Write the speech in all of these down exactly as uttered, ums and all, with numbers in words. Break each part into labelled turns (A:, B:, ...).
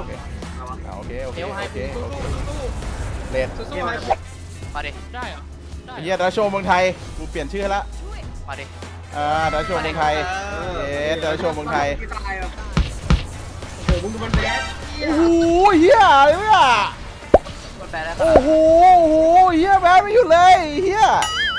A: เคโอเคโอเค
B: เดี๋ยว
A: โอ
B: ให้
A: เค
B: สู้สู้สู้
A: เลด
B: สู้สู้ให้มาดิได้เหรอได้
A: เฮียดาโชว์เมืองไทยกูเปลี่ยนชื่อให้ละ
B: มาดิ
A: อ่าดาโชว์เมืองไทยเย้ดาโชว์เมืองไทย
C: โอ้โหมึงดูมันแบด
A: โอ้โหเฮียอะไรวะ
B: มันแปลได้ปะ
A: โอ้โหโอ้โหเฮียแม่ไม่หยุดเลยเฮีย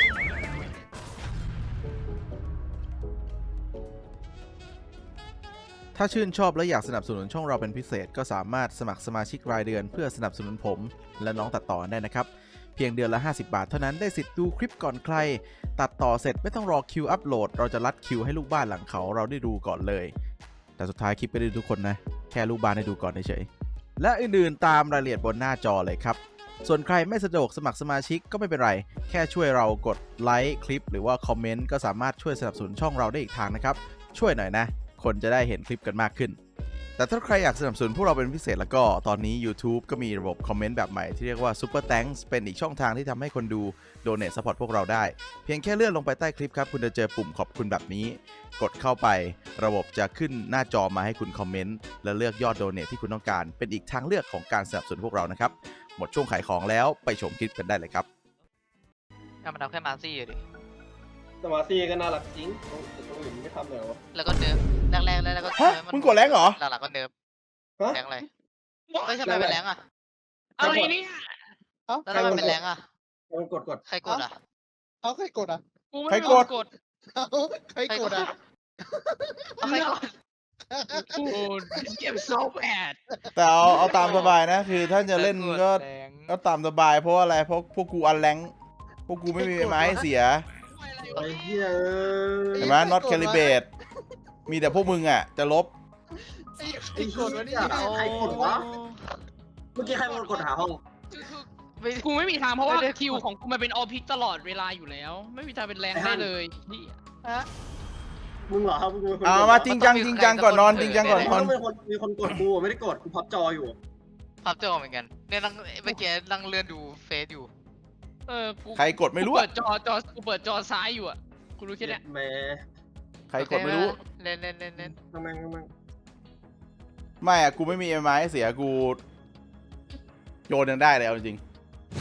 A: ถ้าชื่นชอบและอยากสนับสนุนช่องเราเป็นพิเศษก็สามารถสมัครสมาชิกรายเดือนเพื่อสนับสนุนผมและน้องตัดต่อได้นะครับเพียงเดือนละห้าสิบบาทเท่านั้นได้สิทธิ์ดูคลิปก่อนใครตัดต่อเสร็จไม่ต้องรอคิวอัปโหลดเราจะรัดคิวให้ลูกบ้านหลังเขาเราได้ดูก่อนเลยแต่สุดท้ายคลิปไม่ได้ดูทุกคนนะแค่ลูกบ้านได้ดูก่อนเฉยๆและอื่นๆตามรายละเอียดบนหน้าจอเลยครับส่วนใครไม่สะดวกสมัครสมาชิกก็ไม่เป็นไรแค่ช่วยเรากดไลค์คลิปหรือว่าคอมเมนต์ก็สามารถช่วยสนับสนุนช่องเราได้อีกทางนะครับช่วยหน่อยนะคนจะได้เห็นคลิปกันมากขึ้นแต่ถ้าใครอยากสนับสนุนพวกเราเป็นพิเศษแล้วก็ตอนนี้ YouTube ก็มีระบบคอมเมนต์แบบใหม่ที่เรียกว่า Super Thanks เป็นอีกช่องทางที่ทำให้คนดู Donate Support พวกเราได้เพียงแค่เลื่อนลงไปใต้คลิปครับคุณจะเจอปุ่มขอบคุณแบบนี้กดเข้าไประบบจะขึ้นหน้าจอมาให้คุณคอมเมนต์และเลือกยอด Donate ที่คุณต้องการเป็นอีกทางเลือกของการสนับสนุนพวกเรานะครับหมดช่วงขายของแล้วไปชมคลิปกันได้เลยครับ
B: ถ้ามันเอาแค่มาซี่ดิ
C: สมาธิก็น่ารักจริงตรงอื่นไม่ทำเลยวะ
B: แล้วก็เนิร์ฟแรกๆแล้วก็
A: ฮะมึงกดแรงเหรอ
B: หลังๆก็เนิร์ฟ
C: ฮะ
B: แรงอะไรเฮ้ยทำไมเป็นแรงอ่ะ
C: อะไรเนี่ย
B: แล้วทำไมเป็นแรงอ่ะ
C: มันกดกด
B: ใครกดอ่ะ
D: เขาใครกดอ่ะ
A: ใครกด
B: กด
D: เขาใครกดอ่ะ
B: เอาใครกด
E: โอ้เก็บโซแบด
A: แต่เอาเอาตามสบายนะคือถ้าจะเล่นก็ก็ตามสบายเพราะว่าอะไรเพราะพวกกูอันแรงพวกกูไม่มีไม้ให้เสีย
C: ไอ้เหี้ย
A: เห็นไหม not calibrate มีแต่พวกมึงอ่ะจะลบ
D: ไอ้ใครกดวะเนี่ย
C: ใครกดวะเมื่อกี้ใครมันกดหาห้อง
B: ไม่
E: กูไม่มีทางเพราะว่า
B: ไม่ได้
E: คิวของกูมันเป็นออพิกตลอดเวลาอยู่แล้ว ไม่มีทางเป็นแรงได้เลยนี่
C: มึงเหรอครับมึงเป็นคน
A: เอามาจริงจังจริงจังก่อนนอนจริงจังก่อนนอน
C: เป็นคนมีคนกดกูไม่ได้กดกูพับจออยู่
B: พับจอเหมือนกันเนี่ยนั่งเมื่อกี้นั่งเลื่อนดูเฟซอยู่
E: เออกู
A: ใครกดไม่รู้
E: กู
A: อะ
E: เปิดจอจอกูเปิดจอซ้ายอยู่อ่ะกูรู้แค่เนี้ย
C: แม่
A: ใครกดไม่รู้
B: เล่นเล่นเล่นเล่น
C: ทำไมทำไม
A: ไม่อะกูไม่มีไม้ให้เสียกูโยนยังได้เลยเอาจริง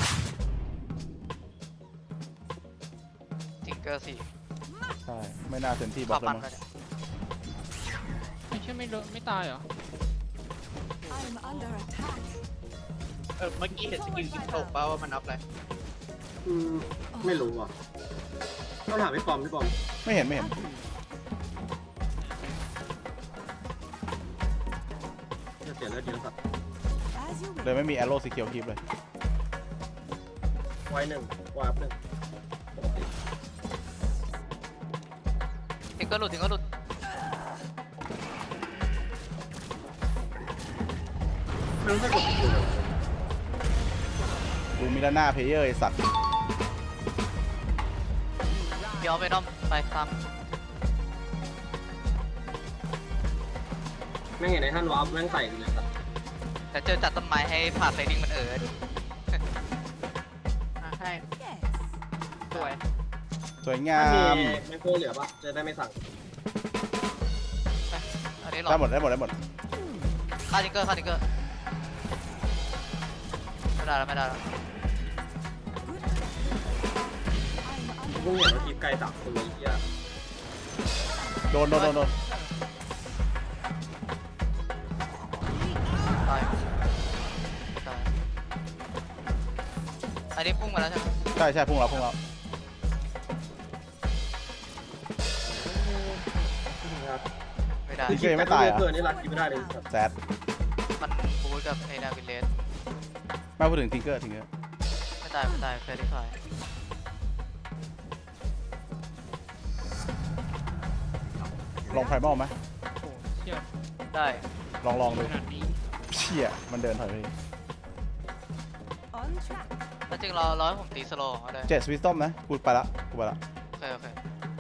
B: จิงเกอร์สี่
A: ใช่ไม่น่าเซนที่บ
B: ข
A: อ
B: อ
A: สแล้ว
B: ปั่น
A: มั้ง
B: ก็ได้
E: ไม่ใช่ไม่โดนไม่ตายเหรอ
F: I'm under attack.
D: เออเมื่อกี้เห็นสกิลกิ๊กตกเปล่าว่ามันอัพอะไร
C: อืมไม่รู้อ่ะต้องถามพี่ปอมพี่ปอม
A: ไม่เห็นไม่เห็น
C: จะเสียเลือดเยอะสัตว์
F: As you
A: เลยไม่มีแอโร่สีเขียวคลิปเลย
C: ไว้หนึ่งวาร์ปหนึ่ง
B: จิงเกอร์หลุดจิงเกอร์หลุด
C: ไม่รู้ใครกดกูเลย
A: ดูมิลาน่าเพลเยอร์ไอสัตว์
B: เดี๋ยวไปน้อมไปตาม
C: แม่งเห็นในท่านวาร์ปแม่งใส่กูเลยสัตว์
B: แต่เจอจัดต้นไม้ให้ผ่าไฟดิ้งมันเออดิ
E: อ่ะให้
F: yes.
E: สวย
A: สวยงา
C: ถ้ามี
A: ม
C: แมงโกเหลือปะจะได้ไม่สั่ง
B: อันนี้หรอ
A: ได้หมดได้หมดได้หมด
B: ฆ่าจิงเกอร์ฆ่าจิงเกอร์ไม่ได้แล้วไม่ได้แล้ว
C: กูเพิ่งเห็นว่าทีมไกลสามคนเลยไอ้เหี้ย
A: โดนโดนโดนโดน
B: ตายตายอันนี้พุ่งมาแล้วใช่ไหม
A: ใช่ใช่พุ่งเราพุ่งเรา
B: ไม่ได้
A: ที่เกมไม่ตายเหรอ
C: เกินนี่รักกินไม่ได้เลยสัตว์
A: แซด
B: มันบูทกับไอ้นาวิลเลส
A: ไม่พูดถึงทิงเกอร์ทิงเกอร์
B: ไม่ตายไม่ตายเฟรดี้ไฟ
A: ลองไพรมอลไหม
E: โอ้เชี่ย
B: ได้
A: ลองลองดู
E: ขนาดนี้
A: เชี่ยมันเดินถอยไป
F: On track.
B: ถ้าจริงเราร้อยผมตีสโลว์ก็ได้
A: เจ็ดสวิสตอมนะกูไปละกูไปละ
B: โอเคโอเค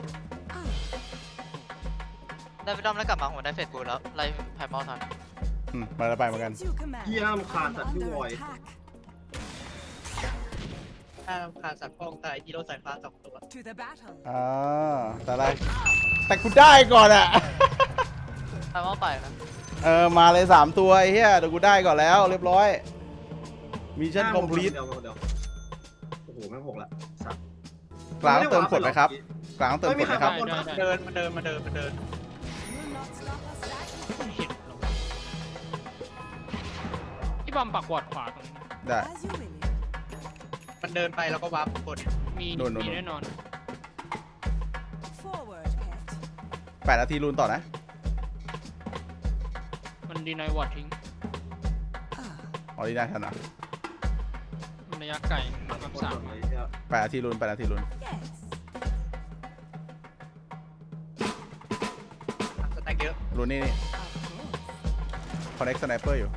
B: ได้ไปด้อมแล้วกลับมาผมได้เฟสบูทแล้วไล่ไพมอลทัน
A: อืมมาแล้วไปเหมือนกัน
F: As you command.
C: เหี้ยมขาด
F: I'm
C: สัตว์ที่
F: under
C: วอย
F: attack.
D: ถ้าขาดสัตว์ฟองตายฮีโร่สายฟ้าสองตัว
F: To the battle.
A: อ่าแต่อะไรแต่กูได้ก่อนอะ
B: ไทำว่าไปนะ
A: เออมาเลยสามตัวไอ้เหี้ยเดี๋ยวกูได้ก่อนแล้วเรียบร้อยมิชชั่นคอมพลีท
C: เดี๋ยวเดี๋ยวโอ้โหแม่งหกละสัตว์
A: กลางเติมกดไหมครับกลางเติมกดไหมครับ
E: ได้ได้
D: เดินมาเดินมาเดินมาเดิน
F: Will not stop us now.
E: ไม่เห็นหรอกพี่บอมปักวอดขวาตรงนี้
A: ได้
F: As you will.
D: มันเดินไปแล้วก็วับกด
E: มี
A: นู่นนู่น
E: มีแน่นอน
F: Forward, pet.
A: แปดนาทีรูนต่อนะ
E: มันดีนายวอดทิ้ง
F: Ah,
A: ออริจินาทันอ่ะ
E: มันระยะไกลกับสาม
C: เลยเหี้ย
A: แปดนาทีรูนแปดนาทีรูน
F: yes.
D: สแต็กเยอะ
A: รูนนี่นี่
F: Of course.
A: คอนเน็กสไนเปอร์อยู่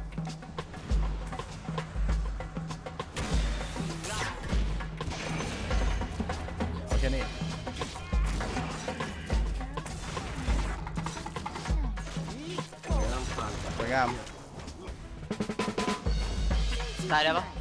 A: โอเคนี่
C: เดี๋ยวน้ำผ่าน
A: สวยงาม
B: ตายได้ปะ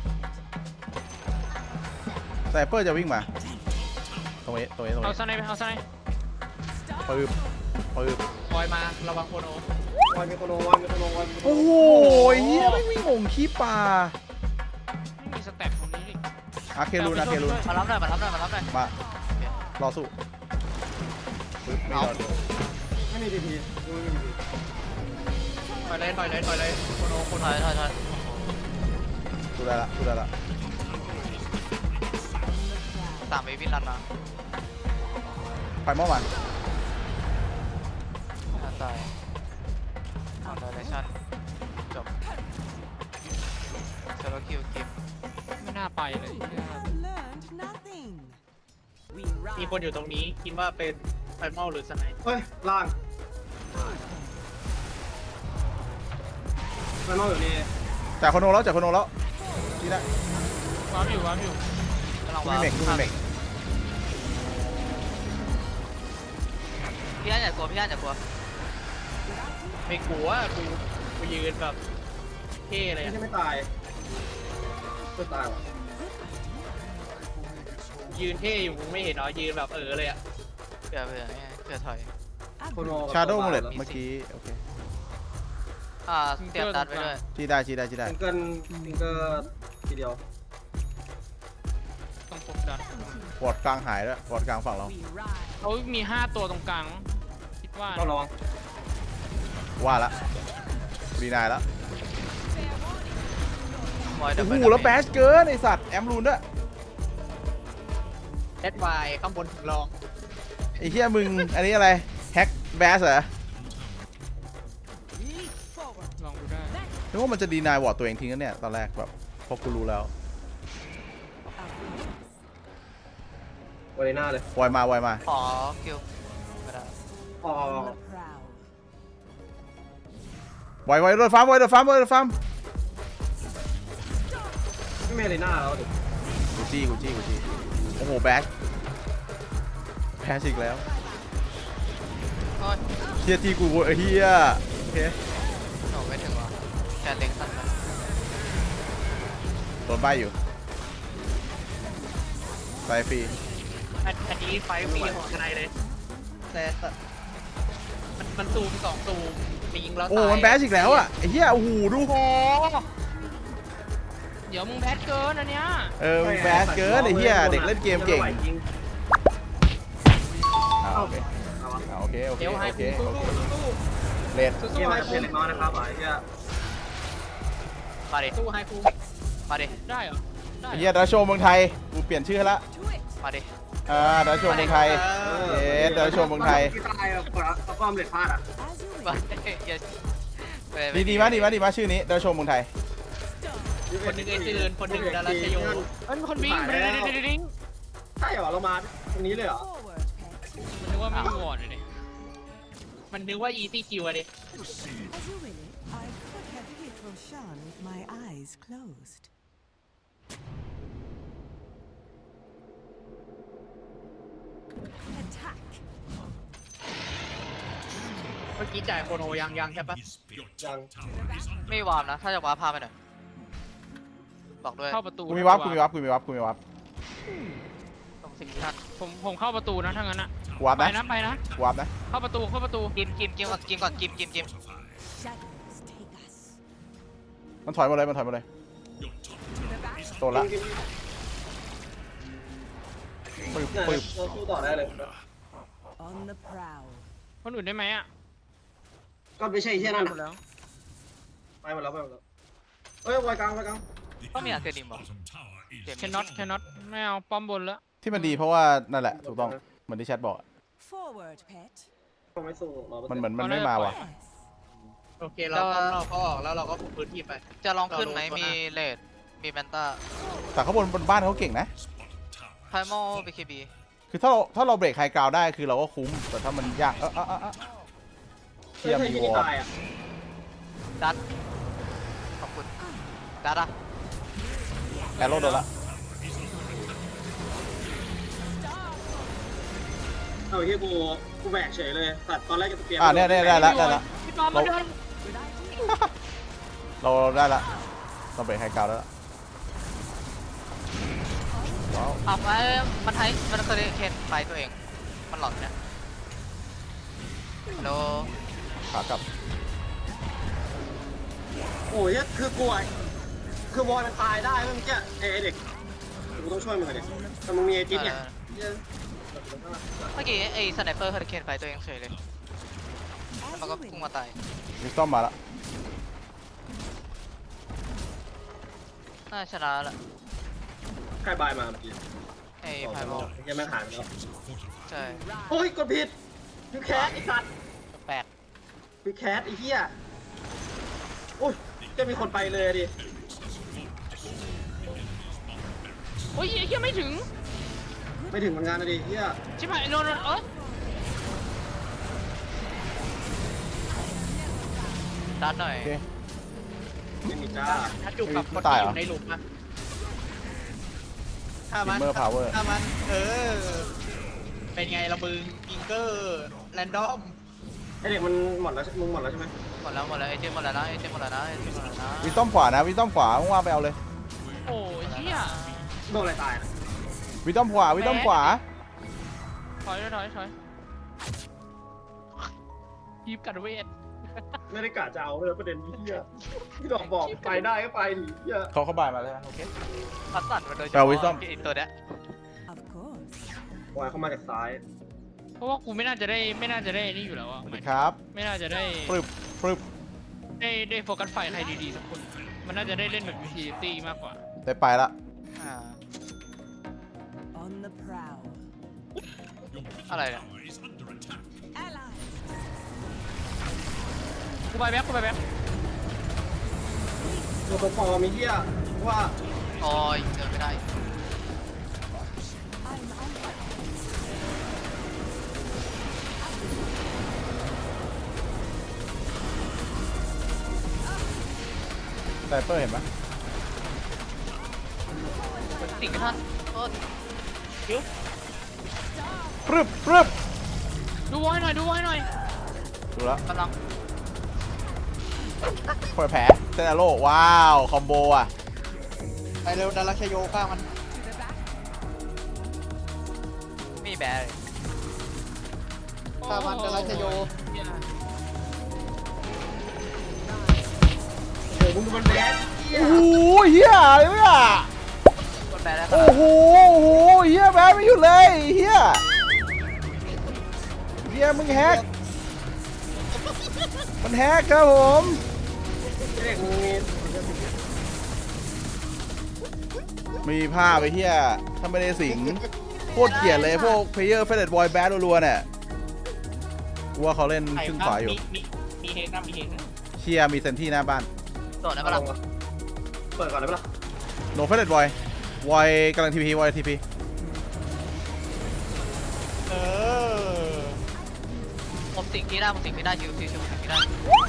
A: สไนเปอร์จะวิ่งมาตรงนี้ตรงนี้ตรง
E: เอา
A: นี้
E: สไนไปเอาสไน
A: ปืบปืบ
D: คอยมาระวังโคโน
C: วายมีโคโนวายมีโคโนวายมีโคโน
A: โอ้โหเฮียไม่วิ่งงงขี้ปลา
E: ไม่มีสแต็ปตรงนี้ดิ
A: อาเครูนอาเครูน
B: มารับหน่อยมารับหน่อยมารับหน่อย
A: มารอสู้ปึ๊บไม่รอด
C: ไม่มีทีพีไม่มีทีพี
D: ถอยเลยถอยเลยถอยเลยโคโนโค
B: ถ
D: โน
B: อยถอยถอย
A: สู้ได้ละสู้ได้ละ
B: สามเอวินรันมา
A: ไปเมื่อวาน
B: ตายเอาไดเรชั่นจบเซอร์คิวกิฟ
E: ไม่น่าไปเลย
F: You have learned nothing. We
D: มี
F: ride.
D: คนอยู่ตรงนี้คิดว่าเป็นไฟมอลหรือสไนป์
C: เฮ้ยล่างมันนอกอยู่นี่
A: จากคอนโดแล้วจากคอนโดแล้วนี่ได้
E: วาร์ปอยู่วาร์ปอยู่
B: กำลัง
A: กู
B: วา
A: มี
B: ง
A: เมกกูมีเมก
B: พี่อันอย่ากลัวพี่อันอย่ากลัว
D: ไม่กลัวกูกูยืนแบบเท่เลย
C: ไม่
D: อะ
C: ใช่ไม่ตายก็ตายว่ะ
D: ยืนเท่อยู่มึงไม่เห็นเหรอยืนแบบเออเลยอ่ะ
B: เผื่อเผื่อเนี่ยเผื่อถอย
C: โคโน
A: ชาโดว์มูเลตเมื่อกี้โอเค
B: อ่าเตรียมดันไว้ด้วย
A: ชี้ได้ชี้ได้ชี้ได้
C: ซิงเกิลซิงเกิลทีเดียว
E: ต้องกดดัน
A: วอร์ดกลางหายแล้ววอร์ดกลางฝั่งเรา
F: We ride.
E: เขามีห้าตัวตรงกลางคิดว่า
C: ต้องระวัง
A: ว่าละรีนายแล้ว
B: วอยดั
A: โอ้
B: บ
A: โห
B: เบิล
A: แล้วแบชเกินไอสัตว์แอมรูนด้วย
D: แอดไวข้างบนถึงรอง
A: ไอเฮียมึงอันนี้อะไรแฮกแบชเหรอ
F: Leap forward.
E: ลองดูได้
A: นึกว่ามันจะดีนายวอร์ดตัวเองทิ้งกันเนี่ยตอนแรกแบบพอกูรู้แล้ว
F: Of course.
C: วอลเลน่าเลยว
A: อยมาวอยมา
B: ขอคิวไม่ได้
C: พอ
F: On the prowl.
A: วอยวอยโดนฟาร์มวอยโดนฟาร์มวอยโดนฟาร์ม
C: ไม่มีเลน่าแล้วดิ
A: กูจี้กูจี้กูจี้โอ้โหแบชแพ้อีกแล้ว
B: โอ้ย
A: เฮียที่กูเฮียโอเค
B: โหไม่ถึงว่ะแค่เล็งสั้นไป
A: โดนใบอยู่ไปฟรี
D: อันอันนี้ไฟฟรีของทนายเลยแต่แต่มันมันซูมสองซูมไปยิงแล้ว
A: โอ้
D: ตาย
A: มันแบชอีกแล้วอ่ะไอ้เหี้ยโอ้โหดู
E: โอ้เดี๋ยวมึงแบดเกินอันเนี้ย
A: เออมันแบชเกินไอ้เหี้ยเด็กเล่นเกมเก่ง
C: จริง
A: อ่าโอเค
C: เอาวะ
A: อ่าโอเคโอเค
D: เดี๋ยวให้
A: โอเค
D: กู
A: โอเค
D: สู้สู้
A: เลด
D: สู้
C: เก
D: สู้
C: ม
D: ให้
C: มัน
D: กู
C: เป็นเล็กน้อยนะครับไอ้เหี้ย
B: มาดิ
D: สู้ให้กู
B: มาดิ
E: ได้เหรอได้
A: ไอ้
E: เหร
A: เหี้ย
E: อ
A: ดาโชว์เมืองไทยกูเปลี่ยนชื่อให้ละ
F: To it.
B: มาดิ
A: อ่าดาโชว์เมืองไทยเย้ดาโชว์เมืองไทย
C: ที่ตายอ่ะเอาความเล็ดพลาดอ่ะ
F: As you
B: มา
F: will.
B: ดิอย่าไปไป
A: ดีดีมากดีมากดีมากชื่อนี้ดาโชว์เมืองไทย
D: คนหนึ่งไอ้จืนคนหนึ่งดาราชโย
E: เอ้ยมีคนวิ่งไปดิดิดิดิดิง
C: ใช่เหรอเรามาตรงนี้เลยเหรอ
F: Forward, pet.
E: มันนึกว่าไม่มีวอร์ดเลยดิ
D: มันนึกว่าอีซี่คิวอะดิ
F: As you will. I could have hit Roshan with my eyes closed. Attack.
D: เมื่อกี้จ่ายโคโนยังยังใช่ปะ
C: ยัง
B: ไม่วาร์มนะ ถ้าจะวาร์ปพาไปหน่อยบอกด้วย
E: เข้าประตู
A: กูมีวับกูมีวับกูมีวับกูมีวับ
B: ตรงสิ่งที่ท่าน
E: ผมผมเข้าประตูนะถ้างั้นอะ
A: โกูวับ
E: ไป
A: นะ
E: นะไปนะ
A: กูวับนะ
E: เข้าประตูเข้าประตู
B: กิมกิมกิมก่อนกิมก่อนกิมกิมกิม
F: Shadows take us.
A: มันถอยหมดเลยมันถอยหมดเลยโดนละ
C: กิน
A: ปึ๊บ
C: เนี่ย
A: ปึ๊บ
C: เราสู้ต่อได้เลย
F: On the prowl.
E: คนอื่นได้ไหมอ่ะ
C: ก็ไม่ใช่ไอ้เหี้ยนั่น
E: หมดแล้ว
C: ไปหมดแล้วไปหมดแล้วเอ้ยไวกลางไวกลาง
B: ต้องมีอาร์เคดิมเหรอเกม
E: แคนน็อตแคนน็อตไม่เอาป้อมบนแล้ว
A: ที่มันดีเพราะว่านั่นแหละถูกต้องเหมือนที่แชทบอกอะ
F: Forward, pet.
C: ก็ไม่สู้รอ
A: มันเหมือนมันไม่มาว่ะ
F: Yes.
D: โอเคเราก็เราก็ออกแล้วเราก็คุมพื้นที่ไป
B: จะลองขึ้นไหมมีเลดมีแมนต้า
A: แต่ข้างบนบนบ้านเขาเก่งนะ
B: ไพโมบีเคบี
A: คือถ้าเราถ้าเราเบรกไฮกราวได้คือเราก็คุ้มแต่ถ้ามันยากเออเออเออเออเทียม
C: เฮ้ย
A: มี
C: ที่
A: วอ
C: นี่
A: ร์
C: ตายอ่ะ
B: ดัดขอบคุณดัดอะ
A: แอโร่โดนละ
C: เอาไอ้เหี้ยกูกูแบกเฉยเลยสัตว์ตอนแรกจะเตรียม
A: อ่าเนี่ยเนี่ยได้ละได้ละ
E: พี่ปอมมาเดิน
A: เราได้ละเราเบรกไฮกราวได้ละว้าว
B: เอาไปมันไทยมันเคยเคนไฟตัวเอง มันหลอนเนี่ยฮัลโหล
A: ขากลับ
C: โอ้ยคือกลัวคือวอลมันตายได้เมื่อกี้ไอ้เด็กกูต้องช่วยมึงหน่อยดิแต่มึงมีไอ้จิ๊บเนี่ย
B: เมื่อกี้ไอ้สไนเปอร์เคยเคนไฟตัวเองเฉยเลย
F: As
B: มันก็
F: you
B: พุ่ง
F: wish.
B: มาตาย
A: วิสตอมมาละ
B: น่าชนะละ
C: ใครบายมาเมื่อกี้
B: ไอ้ไพโม
C: ยังไม่หายไปแล้ว
B: ใช่
C: โอ้ยกดผิดคือแคสไอ้สัตว์
B: แปลก
C: คือแคสไอ้เหี้ยโอ้ยจะมีคนไปเลยดิ
E: โอ้ยไอ้เหี้ยไม่ถึง
C: ไม่ถึงเหมือนกันนะดิเหี้ย
E: ชิบหายโดนโดนเออ
B: ดัดหน่อย
A: โอเค
C: ไม่มีจ้า
D: ถ้าจุกกับคน
A: ตาย
D: ที่
A: เหรอ
D: อยู่ในหลุมอะถ้า
A: ซิ
D: มัน
A: มเมอร์พาวเวอร์
D: ถ้ามันเออเป็นไงละมึงกิงเกอร์แรนดอม
C: ไอเด็กมันหมดแล้วมึงหมดแล้วใช่ไหม
B: หมดแล้วหมดแล้วไอ้เจมหมดแล้วนะไอ้เจมหมดแล้วนะไอ้เจมหมดแล้วนะ
A: วิสตอมขวานะวิสตอมขวาว่างๆไปเอาเลย
E: โอ้ยเหี้ย
C: โดนอะไรตายนะ
A: วิสตอมขวาวิสตอมขวา
E: ถอยถอยถอยยีบกัดเวท
C: ไม่ได้กะจะเอาเลยประเด็นนี้เหี้ยพี่ดอกบอกไปได้ก็ไปดิเหี้ย
A: เขาเข้าบายมาเลยนะโอเค
B: พัดสั่นมาโดยเฉ
A: เอา
B: พาะ
A: Wisdom
B: ไอ้ตัวเนี้ย
F: Of course.
C: วายเข้ามาจากซ้าย
E: เพราะว่ากูไม่น่าจะได้ไม่น่าจะได้นี่อยู่แล้วอะ
A: สวัสดีครับ
E: ไม่น่าจะได้
A: ปรึบปรึบ
E: ได้ได้โฟกัสไฟใครดีๆสักคน มันน่าจะได้เล่นแบบยูทิลิตี้มากกว่า
A: ได้ไปละ
B: อ่า
F: On the prowl.
B: อะไรเนี่ย
F: Ally.
E: กูไปแบ็คกูไปแบ็ค
C: ตัวตัวพอมีเหี้ยว่า
B: โอ้ยเดินไม่ได้
F: I'm on it.
A: ไซเปอร์เห็นไหม
B: สิ่งที่ท่านโทษ
A: ปรึบปรึบ
E: ดูไว้หน่อยดูไว้หน่อย
A: ดูแล้ว
B: กำลัง
A: เปิดแผลเซนอาโร่ว้าวคอมโบอ่ะ
D: ไปเร็วดาราชโยข้างมัน
B: มีแบร์เลย
D: ข้างมันดาราชโย
C: โอ้โหมึงดูมันแบดเหี้ย
A: โอ้โหเฮียอะไรวะ
B: มันแบร์ได้ข
A: โอ้
B: นาด
A: โหโอ้โหเฮียแพ้ไม่หยุดเลยเฮียเฮียมึงแฮกมันแฮกครับผม
C: ไอ้เด็กมึงมี
A: มีภาพไปเฮียถ้าไม่ได้สิงโคตรเกลียดเลยพวกเพลเยอร์เฟเดตบอยแบดรัวๆเนี่ยกูว่าเขาเล่นครึ่งขวาอยู่
D: มีมีเฮกนะมีเฮกนะ
A: เชียมีเซนที่หน้าบ้าน
B: โดดได้ปะล่ะ
C: เปิดก่อนได้ปะล่ะ
A: โนเฟเดตบอยบอยกำลังทีพีบอยทีพี
D: เออ
B: ผมสิ่งที่ได้ผมสิ่งที่ได้ชิวชิวชิวสิ่งที่ได้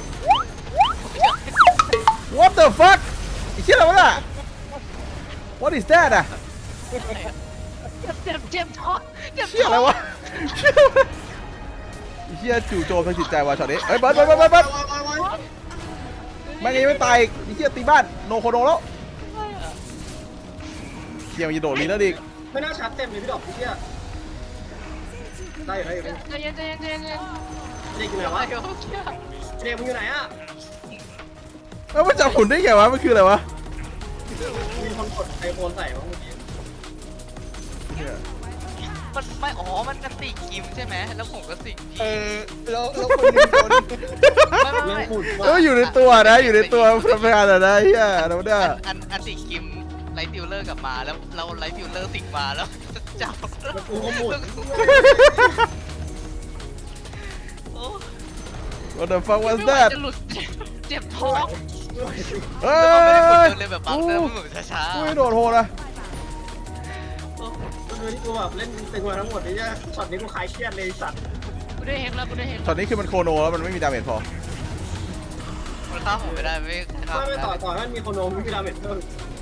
A: What the fuck ไอ้เชี่ยอะไรวะน่ะ What is that อ่ะ
B: เจ็บเจ็บเจ็บท้องเจ็บ
A: เชี่ยอะไรวะเชี่ยอะไรไอ้เชี่ยจู่โจมทางจิตใจว่ะช็อตนี้เฮ้ยเบิร์ดเบิร์ดเบิร์ดเบิร์ดเบิร์ดแม่งยังไม่ตายอีกไอ้เชี่ยตีบ้านโนโคโนแล้วเชี่ยมันจะโดดลีแล้วดิ
C: ไม่น่าชาร์จเต็มเลยพี่ดอกเหี้ยได้อยู่ได้อยู่
E: ใจเย็นใจเย็นใจเย็นใจเย็น
C: เด็กอยู่ไหนวะ
B: เดี๋ยวเชี่ย
C: เด็กมึงอยู่ไหนอ่ะ
A: แล้วมันจับหุ่นได้ไงวะมันคืออะไรวะ
C: มีคนกดไอโฟนใส่บ้างเมื่อกี้
B: มันไม่อ๋อมันกันติกิมใช่ไหมแล้วผมก็สิง
D: เอ
B: พี่
D: อแล้วแล้วคนหนึงโดน
B: ไม่ไม่
C: เรื่อง
B: ไม่
C: ฝุ่น
A: เอออยู่ในตัวนะอยู่ในตัวทำงานอะไรเฮียเราได้
B: อันอันอันติกิมไลท์ฟิลเลอร์กลับมาแล้วเราไลท์ฟิลเลอร์สิงมาแล้วจับ
C: แล้วกูก็หมุน
B: โอ้
A: What the fuck was
E: ไม่ไหว
A: that
E: จะหลุดเจ็บท้อง
A: เฮ้
B: แล้วมันไม่ได้กด
A: ย
B: เดินเลยแบบบังเดินมันเหมือนช้า
A: กูไม่โดดโหดนะ
C: ก็คือที่กูแบบเล่นตึงมาทั้งหมดนี่เนี่ยช็อตนี้กูคลายเครียดเลยสัตว์
E: กูได้เฮกแล้วกูได้เฮก
A: ช็อตนี้คือมันโคโนแล้วมันไม่มีดาเมจพอ
B: ๆมันฆ่าผมไม่ได้ไม่ฆ่า
C: ไม่
B: ผม
C: ไม่
B: ไม่
C: ต่อ
B: ได้
C: ต่อให้มันมีโคโนมมีดาเมจเพิ่ม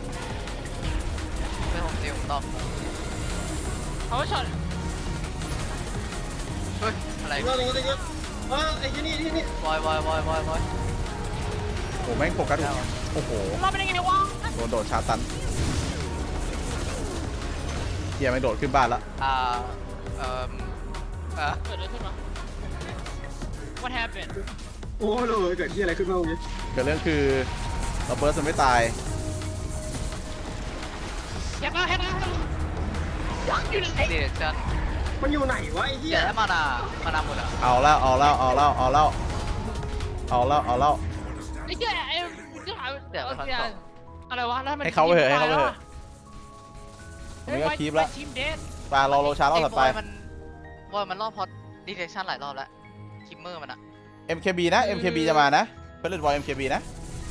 B: ไม่ผมเดียวผมตอบ
E: เอาไว้ช็อต
B: เฮ้ยอะไร
C: เรื่องนี้จะเยอะเออไอ้ที่นี่ที่นี่
B: บอยบอยบอยบอยบอย
A: โอ้แม่งโฟกัสโอ้โห
E: รอดไปได้ไงวะ
A: โดนโดดชาร์จตันเฮียไม่งโดดขึ้นบ้านละ
B: อ่าเอ่ออ่ะ
E: เกิดอะไรขึ้นวะ What happened
C: โอ้เลยเกิดที่อะไรขึ้นมาเมื่อกี้
A: เกิดเรื่องคือเราเบิร์สมันไม่ตาย
E: แฮกแล้วแฮกแล้วอยู่ไหน
B: เดชัน
C: มันอยู่ไหนวะไอ้เหี้
B: เดี๋
C: ย
B: ยวให้มานามานาหมดอ่ะ
A: เอาแล้วเอาแล้วเอาแล้วเอาแล้วเอาแล้วเอาแล้ว
E: ไอ้เจ้าไอ้เจ้าอะไรวะแล้วมัน
A: ให้เขาไปเถอะให้เขาไปเถอะผมนี่ก็คีบแล้ว
E: ทีมเดส
A: ปลารอโรชาร์รอบถัดไป
B: บอยมันบอยมันรอบพอดีเทชันหลายรอบแล้วคิมเมอร์มันอ่ะ
A: เอ็ม เค บี นะ เอ็ม เค บี จะมานะเฟลเลตบอย เอ็ม เค บี นะ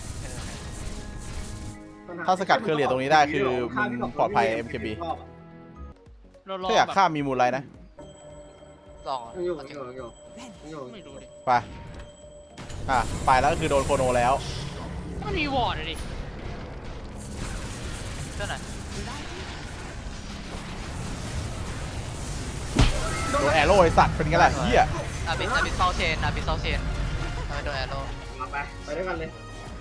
A: ถ้าสกัดเครือเหรียญตรงนี้ได้คือมันปลอดภัย เอ็ม เค บี
E: รอรอ
A: ถ้าอยาก
E: แบบ
A: ฆ่ามีมูลไรนะ
B: ลอง
C: ยังอยู่ยังอยู่ยังอยู่ยังอยู่
E: ไม่รู้ดิ
A: ไปอ่ะไปแล้วก็คือโดนโคโนแล้ว
E: ต้องรีวอร์ดอะดิ
B: เจ้าไหน
A: โดนแอโร่ไอสัตว์เป็นไงล่ะเฮีย
B: อาบิสอาบิสเซาเชนอาบิสเซาเชนเอาไปโดนแอโร่
C: มาไปไปด้วยกันเลย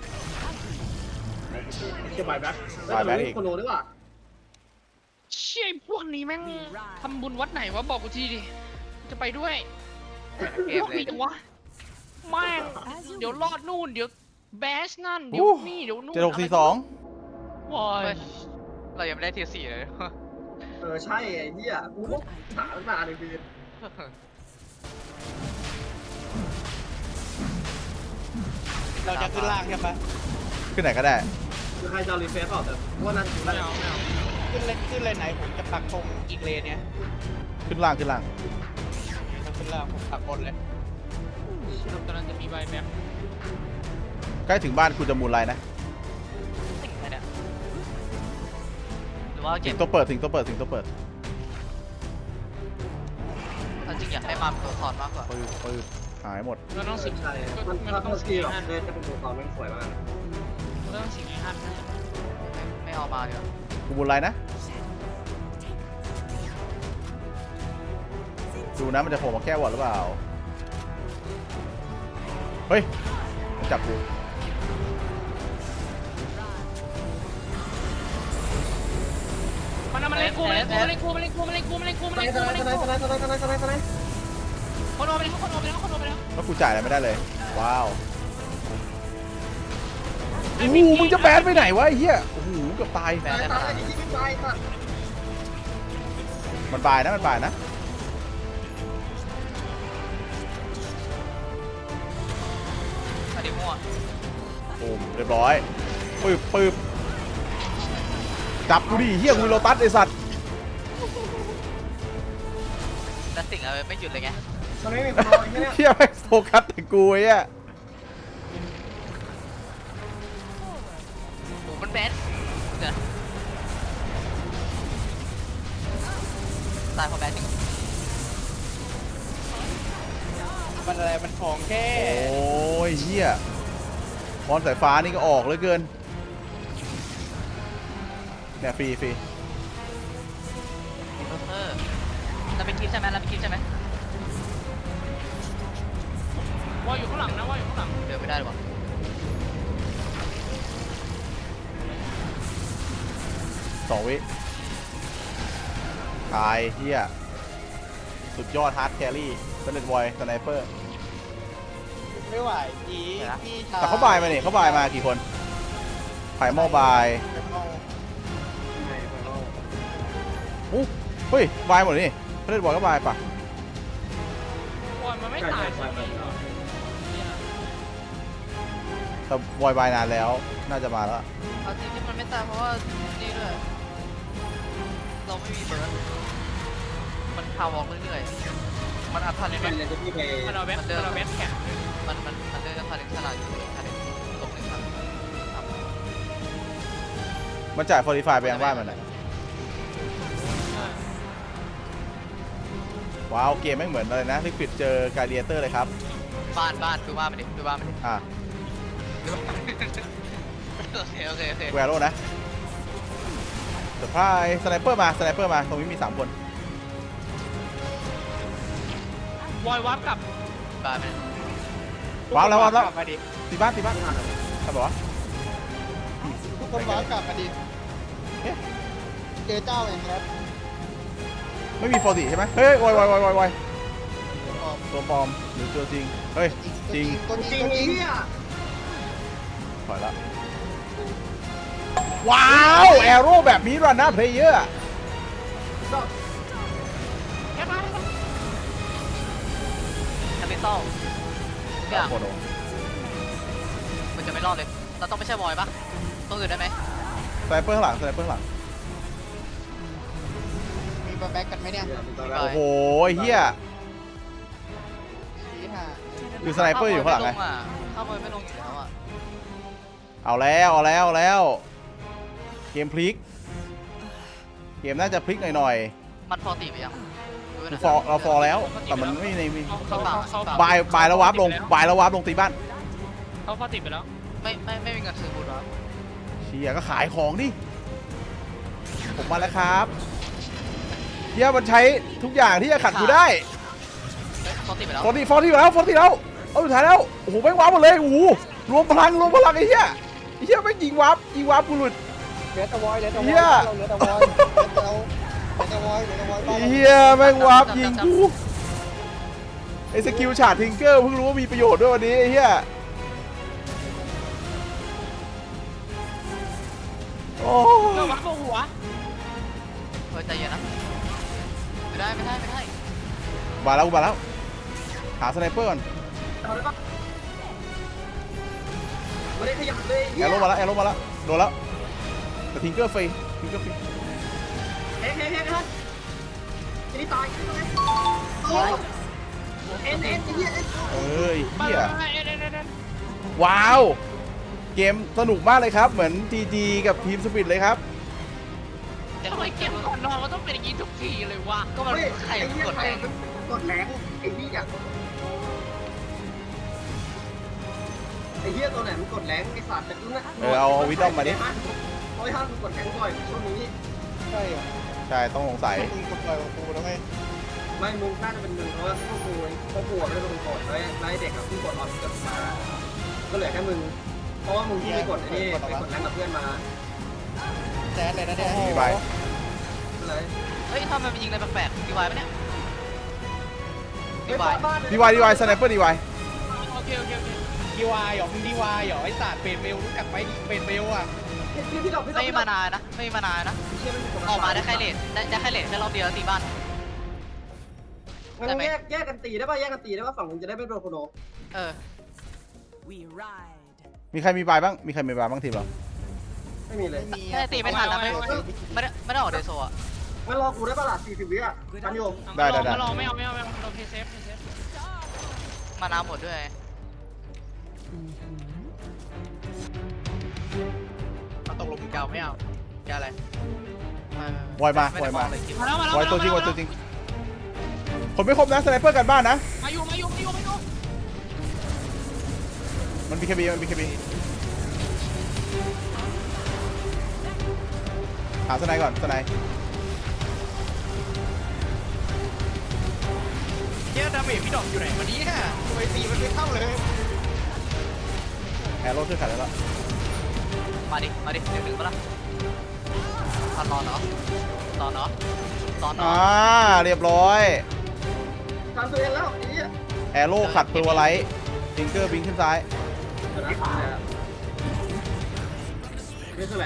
C: เกี่ยวบายแบ็คแล้วมีโคโนด้วยว่ะ
E: เชี่ยไอ้พวกนี้แม่งทำบุญวัดไหนวะบอกกูทีดิจะไปด้วย
B: เกม
E: พวก
B: เลย
E: นี้จังวะแม่งเดี๋ยวรอดนู่นเดี๋ยวแบชนั่นเดี๋ยวนี่เดี๋ยวนู่น
A: เจ็ดหกสี่สอง
E: วอย
B: เรายังไม่ได้เทียร์สี่เลย
C: เออใช่ไอ้เหี้ยกูก็หาตั้งนานเลยพี่
D: เราจะขึ้นล่างใช่ปะ
A: ขึ้นไหนก็ได้
C: คือใครจะรีเฟซเปล่าแต่ว่านั่นคือ
E: ไม่เอาไม่เอา
D: ขึ้นเลนขึ้นเลนไหนผมจะปักธงอีกเลนเนี่ย
A: ขึ้นล่างขึ้นล่าง
D: ถ้าขึ้นล่างผมปักบนเลย
E: ตอนนั้นจะมีใบแบ็ค
A: ใกล้ถึงบ้านคุณจะมูลไรนะ
B: สิ่งอะไรเนี่ยหรือว่าเก็
A: ถึ
B: บ
A: งตัวเปิดถึงตัวเปิดถึงตัวเปิด
B: จริงอยากให้มาเป็นตัวสอนมากกว่า
A: ปืนปืนหายหมด
E: เราต้องสิง
C: ใช่
E: ก็
C: มัน
E: มัน
C: ถ้า
E: ต้
C: ต้
E: อ
C: อง ง
E: สิ
C: สกี
E: ง
C: หรอก
E: ฮัน
C: เนี่ยจะเป็นตัวตอนมันสวยมาก
E: เราต้องสิงไอ้ฮันนะ
B: ไม่เอามาเดี๋ยว
A: กูมูลไรนะ ดูนะมันจะโผล่มาแก้วอดหรือเปล่า เฮ้ย จับกู
E: มันมันเล่นกูมันเล่นกูมันเล่นกูมันเล่นกูมันเล่นกูมันเล่นกูมัน
C: สไน
E: เล่น
C: ส์
E: กู
C: สไน
E: มันเล่น
C: ส์
E: กู
C: สไนส์สไนส์สไนส์สไนส์สไนส์สไนส์สไนส์
E: คนโอไปแล้วคนโอไปแล้วคนโอไปแล้ว
A: แล้วกูจ่ายอะไรไม่ได้เลย ว้าวโอ้โหมึงจะแบนไปไหนวะไอ้เหี้ย โอ้โหเกือบตาย
B: แบน
C: ตาย
B: ได้
C: ตา
B: ขาย ด
C: ไอ้ที่ไม่ตายสัตว์
A: มันบายนะมันบายนะ
B: อันนี้มั่ว
A: โอ้เรียบร้อยปึ๊บปึ๊บจับกูดิเฮียกูโลตัสไอสัตว์
B: แต่สิ่งอะไรไม่หยุดเลยไง
C: มันไม่มีโคโนไอ้เนี่ย
A: เฮียแม่งโฟกัสแต่กูไอ้อะ
B: โอ้มันแบนเดี๋ยวตายเพราะแบนจริง
D: มันอะไรมันของแค่
A: โอ้ยเฮียบอลสายฟ้านี่ก็ออกเหลยเกินเนี่ยฟรีฟรี
B: เออเราไปคิดใช่ไหมเราไปคิดใช่ไหม
E: ว่าอยู่ข้างหลังนะว่าอยู่ข้างหลัง
B: เดินไม่ได้หรอวะ
A: สองวิตายเฮียสุดยอดฮาร์ดแครี่สเลดวอยสไนเปอร์
D: ไม่ไหวอีพี่ชาย
A: แต่เขาบายมาเนี่ยเขาบายมากี่คนไผ่หม้อบายอู้เฮ้ยบายหมดเลยนี่สเลดวอยก็บายปะ
E: บอลมันไม่ตายใช่ไหม
A: แต่วอยบายนานแล้วน่าจะมาแล้ว
B: เอาจริงที่มันไม่ตายเพราะว่านี่ด้วยเราไม่มีเบิร์ดมันพาวอล์กเรื่อยๆมันอัดทันเลย
C: เป็น
B: ไหม
C: เลยที่พี่ไป
E: มันเอาเว็บมันเอาเว็บแข็ง
B: มันมันมันเดินทันเด็กฉลาดอยู่ทันเด็กลงหนึ่งทัน
A: มันจ่ายฟอร์ติฟายไปยังบ้านมันไหนว้าวเกมไม่งเหมือนอะไรนะลิควิดเจอการเดียเตอร์เลยครับ
B: บ้านบ้านดูบ้านมันดิดูบ้านมันดิ
A: อ่ะ
B: โอเคโอเคโอเค
A: แวโรนะเซอร์ไพรส์สไนเปอร์มาสไนเปอร์มาตรงนี้มีสามคน
E: วอยวับกับ
B: บ้านมัน
A: ว้าวแล้วว้าวแล้ว
D: กลับมาดิ
A: ตีบ้านตีบ้านใครบอกว่า
D: ทุกคนว้าวกลับมาดิ
A: เอ๊ะ
D: เจอเจ้าเองครับ
A: ไม่มีฟอร์ติใช่ไหมเฮ้ยวายวายวายวายวายตัวปลอมหรือตัวจริงเฮ้ยจริง
D: ตัวจ
C: จ
D: ริ
C: ริ
D: ง
C: ง
D: ตัวจริง
C: เนี่ย
A: ถอยละว้าวแอโร่แบบนี้รันหน้าเพลเยอร์
B: แคปิตอลทุกอย่าง
A: โคโน
B: มันจะไม่รอดเลย เราต้องไม่ใช่บอยปะต้องอื่นได้ไหม
A: สไนเปอร์ข้างหลังสไนเปอร์ข้างหลัง
D: มีแบ็กกันไหมเนี่ย
A: โอ้โหเฮีย
D: ชี้ห่า
A: คือสไนเปอร์อยู่ข้างหลังไง
B: ข้ามมือไม่ลงอยู่แล้วอ่ะ
A: เอาแล้วเอาแล้วเอาแล้วเกมพลิกเกมน่าจะพลิกหน่อย
B: มันพอตีไปยังดู
A: ๆ
B: นะ
A: ฟอร์เราฟอร์แล้วแต่มันไม่ในมี
E: เขาเขาเขา
A: บายบายแล้ววาร์ปลงบายแล้ววาร์ปลงตีบ้าน
E: เขาฟาติดไปแล้ว
B: ไม่ไม่ไม่มีเงินซื้อบูทหรอ
A: เชียก็ขายของดิผมมาแล้วครับเฮียมันใช้ทุกอย่างที่จะขัดกูได้
B: พอตีไปแล้ว
A: ฟอร์ตี้ฟอร์ตี้แล้วฟอร์ตี้แล้วเอาสุดท้ายแล้วโอ้โหแม่งวาร์ปหมดเลยโอ้โหรวมพลังรวมพลังไอ้เหี้ยไอ้เหี้ยแม่งยิงวาร์ปยิงวาร์ปกูหลุด
D: เหลือแต่วอยเหลือแต่วอย
A: เหี้ย
D: เราเหลือแต่วอยเหลือแต่วอยเหลือแต่วอยบ้าน
A: ไอ้
D: เรา
A: เหี้ยแม่งวาร์ปยิงกูไอ้สกิลฉาดทิงเกอร์เพิ่งรู้ว่ามีประโยชน์ด้วยวันนี้ไอ้เหี้ยโอ้
E: เราวับหัว
B: เฮ้ยใจเย็นนะไม่ได้ไม่ได้ไม่ได้
A: มาแล้วมาแล้วหาสไนเปอร์ก่อน
C: เอาได้ปะไม่ได้ขยับเลย
A: แอโร่มาแล้วแอโร่มาแล้วโดนแล้วแต่ทิงเกอร์ฟรีทิงเกอร์ฟรี
C: เฮ้ยเฮ้ยเฮ้ยเฮ้ยจะนี่ตายเอ็นเอ็นไอ้เหี้ยเอ็น
A: เอ้ย
E: มา
A: เหี้ย
E: เอ็นเอ็นเอ็น
A: ว้าวเกมสนุกมากเลยครับเหมือน จี จี กับทีมสปิริตเลยครับ
E: ทำไมเกมก่อนนอนมันต้องเป็นอย่างนี้ทุกทีเลยวะ
B: ก็มัน
C: เฮ้ย
B: ใคร
C: ไอ้เหี้ย
B: กด
C: ใคร
B: แรง
C: กดแรงไอ้เหี้ยไอ้เหี้ยตัวไหนมันกดแรงไอ้สัตว์แต่กูนะ
A: เออเอาวิดดอมมาดิ
C: โอ้ยห้ามกดแรงบ่อยช่วงนี้
D: ใช่เหรอ
A: ใช่ต้องสงสัย
D: มึงกดปล่อยของกูแล้วไง
C: ไม่มึงน่าจะเป็นมึงเพราะว่าพวกกูพวกกูไม่ได้เป็นคนกดแล้วไอ้เด็กกับผู้กดออนกดมาก็เหลือแค่มึงเพราะว่ามึงที่ไปกดไอ้นี่ไปกดแรงกับเพื่อนมา
D: แซดเลยนะเนี่ย
A: มีใบ
C: เลย
B: เฮ้ยทำไมมันยิงอะไรแปลกๆดีวายปะเนี่ย
C: ไม่บ้านบ้าน
A: ดีวายดีวายสไนเปอร์ดีวาย
E: โอเคโอเคโอเค
D: ดีวายเหรอมึงดีวายเหรอไอ้ศาสตร์เปรตเบลรู้จักไหมเปรตเบลอ่ะ
C: พี่พี่ดอกพี่ดอก
B: ไม่มานานนะไม่มานานนะออกมาได้แค่เลทได้ได้แค่เลทแค่รอบเดียวแล้วตีบ้าน
C: งั้นแยกแยกกันตีได้ป่ะแยกกันตีได้ป่ะฝั่งมึงจะได้ไม่โดนโคโน
B: เออ
F: We ride.
A: มีใครมีบายบ้างมีใครมีบายบ้างทีมเรา
C: ไม่มีเลย
B: แค่ตีไม่ทันนะไม่ไม่ได้ไม่ได้ออกเดโซอ่ะ
C: งั้นรอกูได้ป่ะล่ะสี่สิบวิอ่ะทันโยม
A: ได้ได้ได้
E: มาลองไม่เอาไม่เอาไม่เอาเราเพย์เซฟเพย์เซฟ
B: มานาหมดด้วย
D: เอาตกลงมึงจะเอาไม่เอาจะอะไร
A: วอยมา
B: ไม่
A: วอ
B: ได้
A: ย
B: ม
A: มา
B: องเลยคิด
E: มาแล้วมาแล้ว
A: วอยตัวจริงวอยตัวจริงคนไม่ครบนะสไนเปอร์กันบ้านนะ
E: มาอยู่มาอยู่มาอยู่มาอยู่
A: มันบีเคบีมันบีเคบีหาสไนก่อนสไน
D: เจ้าดาเมจพี่ดอกอยู่ไหนวันนี้ฮะทำไมตีมันไม่เข้าเลย
A: แอโร่ช่วยขัดแล้ว
B: มาดิมาดิหนึ่งหนึ่งมาละทันรอนเนาะรอนเนาะรอน
A: อ่า
B: เนาะ
A: เรียบร้อย
C: ฟันตัวเองแล้วไอ้เหี้ย
A: แอโร่ขัดเปอร์วไลท์ฟิงเกอร์บิงขึ้นซ้าย
C: เดี๋ยวนะนี่คืออะไร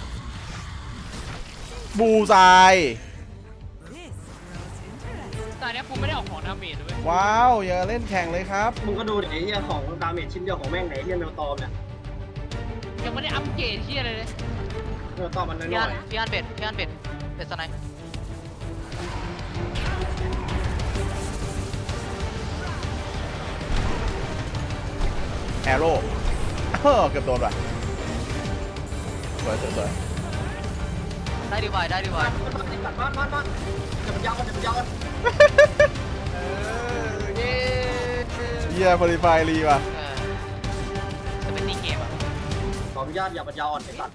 A: บูซาย
F: This grows interesting.
E: ตอนนี้กูไม่ได้ออกของดาเมจเลยเว้ย
A: ว้าว อย่าเล่นแข่งเลยครับ
C: มึงก็ดูดิไอ้เหี้ยของดาเมจชิ้นเดียวของแม่งไหนเหี้ยเนลตอมเนี่ย
E: ยังไม่ได้อัปเกรดที่อะไรเลย
C: เนลตอมมันน้
B: พี่
C: อ
B: อัน
C: ย
B: พี่อันเบ็ดพี่อันเบ็ดเบ็ดสไนป์
A: แอโร่เออเกือบโดนว่ะสวยสวยสวย
B: ได้ดีไวได้ดีไว
C: ๆมันมันมันมันมันมันจะมันยาวกันจะมันยาวกัน
B: เออเย้
A: เยี่ยบริไฟรีว่ะ
B: เออจะเป็นตีเกมอ่ะ
C: ขออนุญาตอย่ามันยาวอ่อนไอ้สัตว์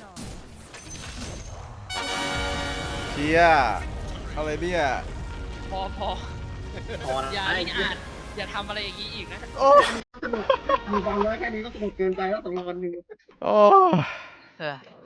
A: เชียอะไรเนี่ย
E: พอพอ
C: พอนะ
E: อย่า
C: ไอ้
E: อย่า
C: เหี้ย
E: อย่าทำอะไรอย่างนี้อีกนะ
A: โอ้
C: มึงฟังไว้แค่นี้ก็สนุกเกินไปแล้วตกลงวันหนึ่ง
A: โอ้
B: เออ